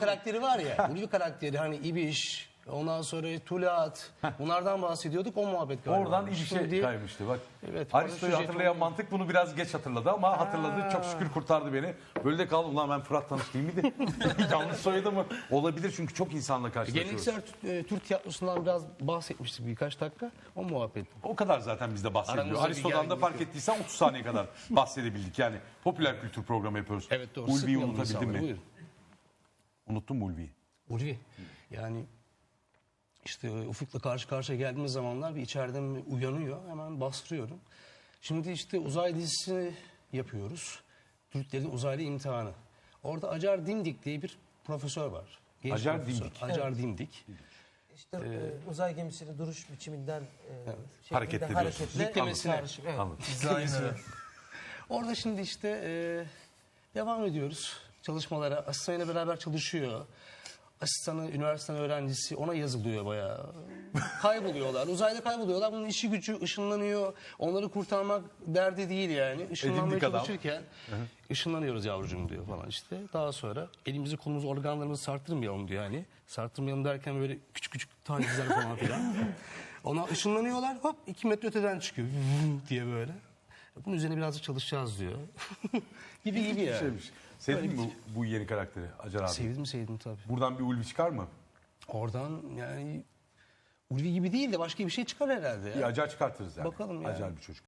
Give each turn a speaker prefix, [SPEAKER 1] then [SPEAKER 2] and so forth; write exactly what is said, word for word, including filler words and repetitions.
[SPEAKER 1] karakteri var ya. Ulvi karakteri hani İbiş, ondan sonra Tulat. Bunlardan bahsediyorduk. O muhabbet galiba.
[SPEAKER 2] Oradan İbiş'e
[SPEAKER 1] Şimdi-
[SPEAKER 2] kaymıştı bak.
[SPEAKER 1] Evet,
[SPEAKER 2] Aristo'yu
[SPEAKER 1] paraşüt
[SPEAKER 2] hatırlayan
[SPEAKER 1] jetonu-
[SPEAKER 2] mantık bunu biraz geç hatırladı ama hatırladı. Çok şükür kurtardı beni. Böyle de kaldım. Ulan ben Fırat Tanış değil miydi? Yanlış soyadı mı? Olabilir çünkü çok insanla karşılaşıyoruz.
[SPEAKER 1] Geleneksel Türk- e, Türk tiyatrosundan biraz bahsetmiştik birkaç dakika. O muhabbet.
[SPEAKER 2] O kadar zaten bizde bahsediliyor.
[SPEAKER 1] Aramızda bir
[SPEAKER 2] Aristo'dan da
[SPEAKER 1] gerginlik
[SPEAKER 2] fark
[SPEAKER 1] yok.
[SPEAKER 2] ettiysen otuz saniye kadar bahsedebildik. Yani popüler kültür programı yapıyoruz.
[SPEAKER 1] Evet doğru.
[SPEAKER 2] Ulvi'yi
[SPEAKER 1] Sıkmayalım
[SPEAKER 2] unutabildin
[SPEAKER 1] insanları,
[SPEAKER 2] mi?
[SPEAKER 1] buyurun.
[SPEAKER 2] Unuttun mu Ulvi'yi?
[SPEAKER 1] Ulvi. Yani işte e, Ufuk'la karşı karşıya geldiğimiz zamanlar bir içeriden bir uyanıyor. Hemen bastırıyorum. Şimdi işte uzay dizisi yapıyoruz. Türklerin uzaylı imtihanı. Orada Acar Dimdik diye bir profesör var. Genç
[SPEAKER 2] Acar
[SPEAKER 1] profesör.
[SPEAKER 2] Dimdik.
[SPEAKER 1] Acar Dimdik.
[SPEAKER 3] İşte e, uzay gemisinin duruş biçiminden e, şeklinde
[SPEAKER 2] Hareket ediyorsunuz.
[SPEAKER 3] hareketle
[SPEAKER 1] Diklemesine.
[SPEAKER 3] karşı- evet.
[SPEAKER 2] Anladım.
[SPEAKER 1] Diklemesine. Orada şimdi işte e, devam ediyoruz çalışmalara. Asistanıyla beraber çalışıyor. Asistanı, üniversiteden öğrencisi ona yazılıyor bayağı. Kayboluyorlar. Uzayda kayboluyorlar. Bunun işi gücü ışınlanıyor. Onları kurtarmak derdi değil yani. Işınlanmaya
[SPEAKER 2] Edindik adam.
[SPEAKER 1] çalışırken ışınlanıyoruz yavrucuğum diyor falan işte. Daha sonra elimizi kolumuzu organlarımızı sarttırmayalım diyor yani. Sarttırmayalım derken böyle küçük küçük tacizler falan filan. Ona ışınlanıyorlar hop iki metre öteden çıkıyor diye böyle. Bunun üzerine birazcık çalışacağız diyor. gibi gibi
[SPEAKER 2] Bir
[SPEAKER 1] yani.
[SPEAKER 2] şeymiş. Sevdin mi bu, bu yeni karakteri Acar abi?
[SPEAKER 1] Sevdim sevdim tabii.
[SPEAKER 2] Buradan bir Ulvi çıkar mı?
[SPEAKER 1] Oradan yani Ulvi gibi değil de başka bir şey çıkar herhalde. Ya.
[SPEAKER 2] Bir Acar çıkartırız yani.
[SPEAKER 1] Bakalım yani.
[SPEAKER 2] Acar bir çocuk.